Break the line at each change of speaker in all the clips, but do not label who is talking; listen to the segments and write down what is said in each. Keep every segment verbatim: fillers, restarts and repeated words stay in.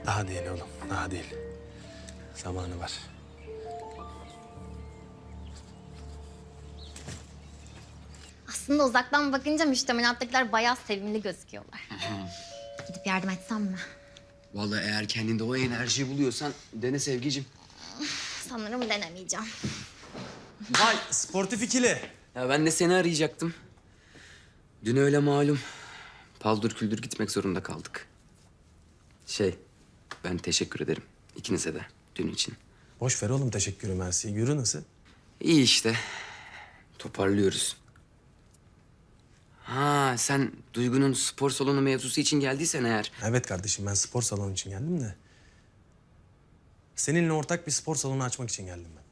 Daha değil oğlum, daha değil. Zamanı var.
Aslında uzaktan bakınca müştemilattakiler bayağı sevimli gözüküyorlar. Gidip yardım etsem mi?
Vallahi eğer kendinde o enerjiyi buluyorsan dene Sevgicim.
Sanırım denemeyeceğim.
Vay, sportif ikili.
Ya ben de seni arayacaktım. Dün öyle malum. Paldır küldür gitmek zorunda kaldık. Şey, ben teşekkür ederim ikinize de dün için.
Boş ver oğlum teşekkürü mersi. Yürü nasıl?
İyi işte. Toparlıyoruz. Ha sen Duygu'nun spor salonu mevzusu için geldiysen eğer.
Evet kardeşim ben spor salonu için geldim de. Seninle ortak bir spor salonu açmak için geldim ben.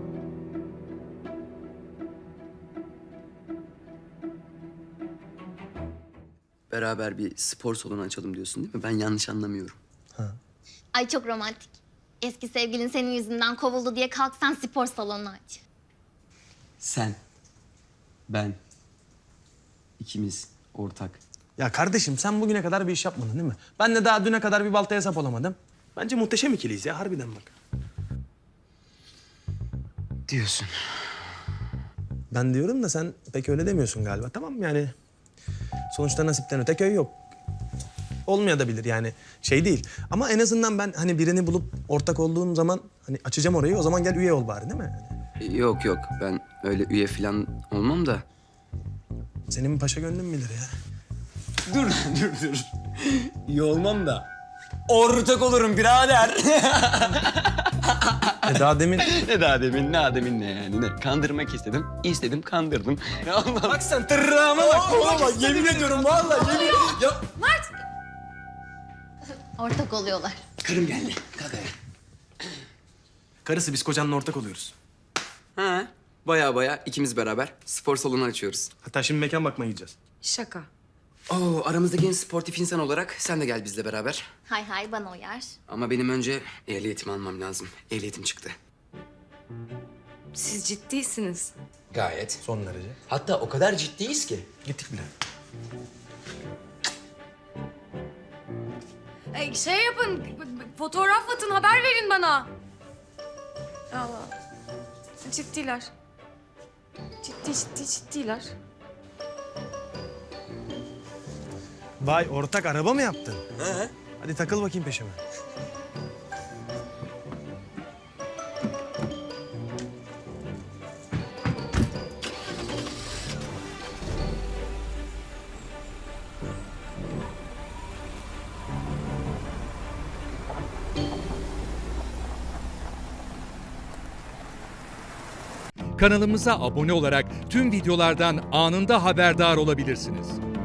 Beraber bir spor salonu açalım diyorsun değil mi? Ben yanlış anlamıyorum.
Ay çok romantik. Eski sevgilin senin yüzünden kovuldu diye kalk sen spor salonu aç.
Sen, ben, ikimiz ortak.
Ya kardeşim sen bugüne kadar bir iş yapmadın değil mi? Ben de daha düne kadar bir baltaya sap olamadım. Bence muhteşem ikiliyiz ya harbiden bak.
Diyorsun.
Ben diyorum da sen pek öyle demiyorsun galiba. Tamam yani sonuçta nasipten öte köy yok. Olmayabilir yani şey değil. Ama en azından ben hani birini bulup ortak olduğum zaman hani açacağım orayı o zaman gel üye ol bari değil mi?
Yok yok ben öyle üye falan olmam da.
Senin paşa gönlün bilir ya.
Dur dur dur. İyi olmam da. Ortak olurum birader.
E daha demin...
ne daha demin ne demin ne yani ne. Kandırmak istedim. istedim kandırdım. Ya Allah.
Bak sen tırrağıma bak. Oğlum bak yemin ediyorum vallahi yemin... Ya...
Ortak oluyorlar.
Karım geldi. Kalk ayağa.
Karısı biz kocanla ortak oluyoruz.
Ha, baya baya ikimiz beraber spor salonu açıyoruz.
Hatta şimdi mekan bakmaya gideceğiz.
Şaka.
Oo, aramızdaki en sportif insan olarak sen de gel bizle beraber.
Hay hay bana uyar.
Ama benim önce ehliyetimi almam lazım. Ehliyetim çıktı.
Siz ciddisiniz.
Gayet.
Son derece.
Hatta o kadar ciddiyiz ki.
Gittik bile.
E, şey yapın, b- b- fotoğraf atın, haber verin bana. Allah. Ciddiler. Ciddi ciddi ciddiler.
Vay ortak araba mı yaptın? He. Hadi takıl bakayım peşime.
Kanalımıza abone olarak tüm videolardan anında haberdar olabilirsiniz.